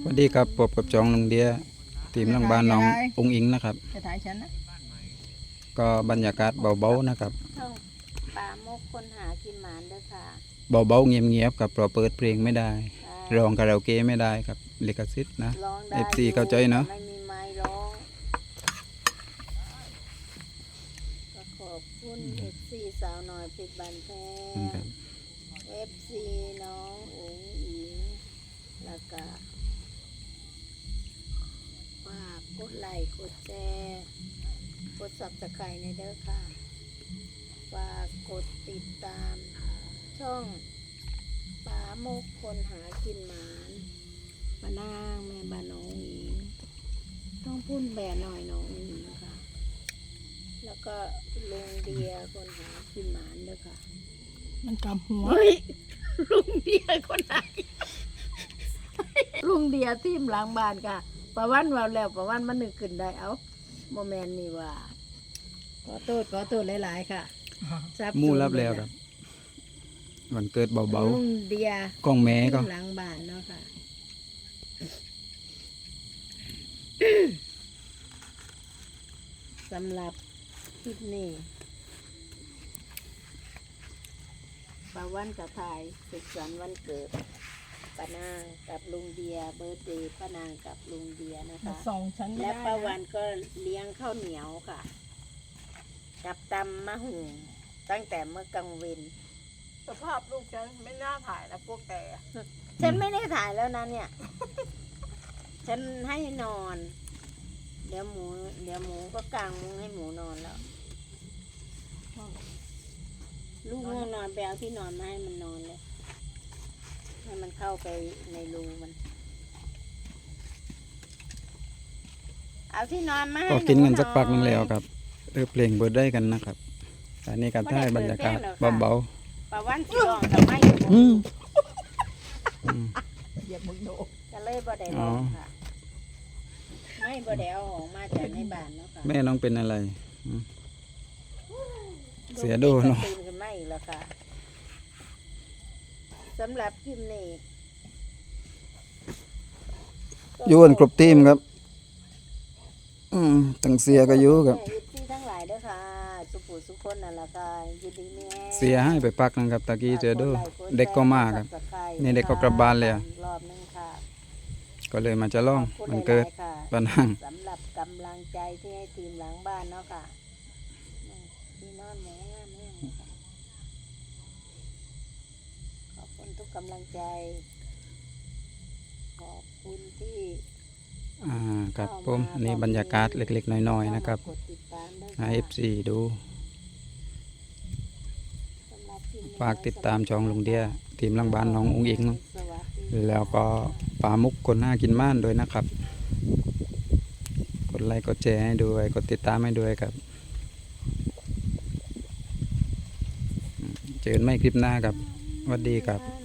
สวัสดีครับพบกับจองลุงเดียทีมหลังบ้านน้ององอิงนะครับจะถ่ายฉันนะก็บรรยากาศเบาๆนะครับช่องปลาโมกคนหากินหมานเด้อค่ะเบาๆเงียบๆกับเราเปิดเพลงไม่ได้ร้องคาราโอเกะไม่ได้ครับลิขสิทธิ์นะร้องได้ FC เข้าใจเนาะไม่มีไม้ร้องก็ขอบคุณ FC สาวน้อยปิดบันแพครับ FC น้องอุ๋งอิงแล้วก็ฝากกดไลค์กดแชร์กดซับสไครต์ในเด้อค่ะฝากกดติดตามช่องปลาโมกคนหากินหมานมานางแม่บ้านน้องอิงต้องพุ่นแบะหน่อยน้องอิงค่ะแล้วก็ลุงเดียคนหากินหมานเด้อค่ะมันกำหัวเฮ้ยลุงเดียคนไหนลุงเดียทีมหลังบ้านค่ะประวันว่าแล้วประวันมันนึกขึ้นได้เอาโมเมนต์นี่ว่าขอโทษหลายๆค่ะซับมู่รับแล้วครับวันเกิดเบาลุงเดียๆกล้องแม่ก็ทีมหลังบ้านเนาะค่ะสำหรับคลิปนี้ป้าวันกับถ่ายสุขสันต์วันเกิดป้านางกับลุงเดียเบิร์ธเดย์ป้านางกับลุงเดียนะคะส่องฉันไม่และได้ป้านะวันก็เลี้ยงข้าวเหนียวค่ะ กับตำมะหุงตั้งแต่เมื่อกลางวันสภาพลูกฉันไม่น่าถ่ายนะพวกแกฉันไม่ได้ถ่ายแล้วนะเนี่ย ฉันให้นอน เดี๋ยวหมูก็กางมุ้งให้หมูนอนแล้ว ลูกง่วงนอนไปเอาที่นอนมาให้มันนอนเลย ให้มันเข้าไปในรูมัน เอาที่นอนมาให้ก็กินกันสักพักนึงแล้วครับเพลงเบิดได้กันนะครับอันนี้การถ่ายบรรยากาศเบาปลาวันสีรองกับไม่อยู่ๆอืมเหยียบมึงโดก็เลยบ่ได้ลองค่ะ ไม่บ่ได้เอาออกมาจากในบ้านเนาะค่ะแม่น้องเป็นอะไรอืม เสียดูเนาะตื่นขึ้นมาอีกแล้วค่ะสำหรับคลิปนี้อยู่กันครบทีมครับตั้งเสียก็อยู่ครับยินดีทั้งหลายเด้อค่ะ สุขุสุขคนนั่นแหละค่ะยินดีแม่เสียให้ไปพักนะครับตะกี้เจอดูเด็กก็มาครับ นี่เด็กก็กลับบ้านแล้วรอบนึงค่ะก็เลยมาจะล่องขอบคุณมันเกิดหลายๆค่ะปะนังสำหรับกำลังใจที่ให้ทีมหลังบ้านเนาะค่ะพี่นอนหมูงามแม่งค่ะขอบคุณทุกกำลังใจ ขอบคุณที่ครับผมอันนี้บรรยากาศเล็กๆน้อยๆนะครับกดติดตามด้วยให้ค่ะ FC ดูสำหรับคลิปนี้ฝากติดตามช่องลุงเดียทีมหลังบ้านน้ององอิงสวัสดีแล้วก็ปลามุกคนหน้ากินม่านด้วยนะครับ กดไลค์กดแชร์ให้ด้วยกดติดตามให้ด้วยครับเจอกันไม่คลิปหน้าครับสวัสดีครับค่ะ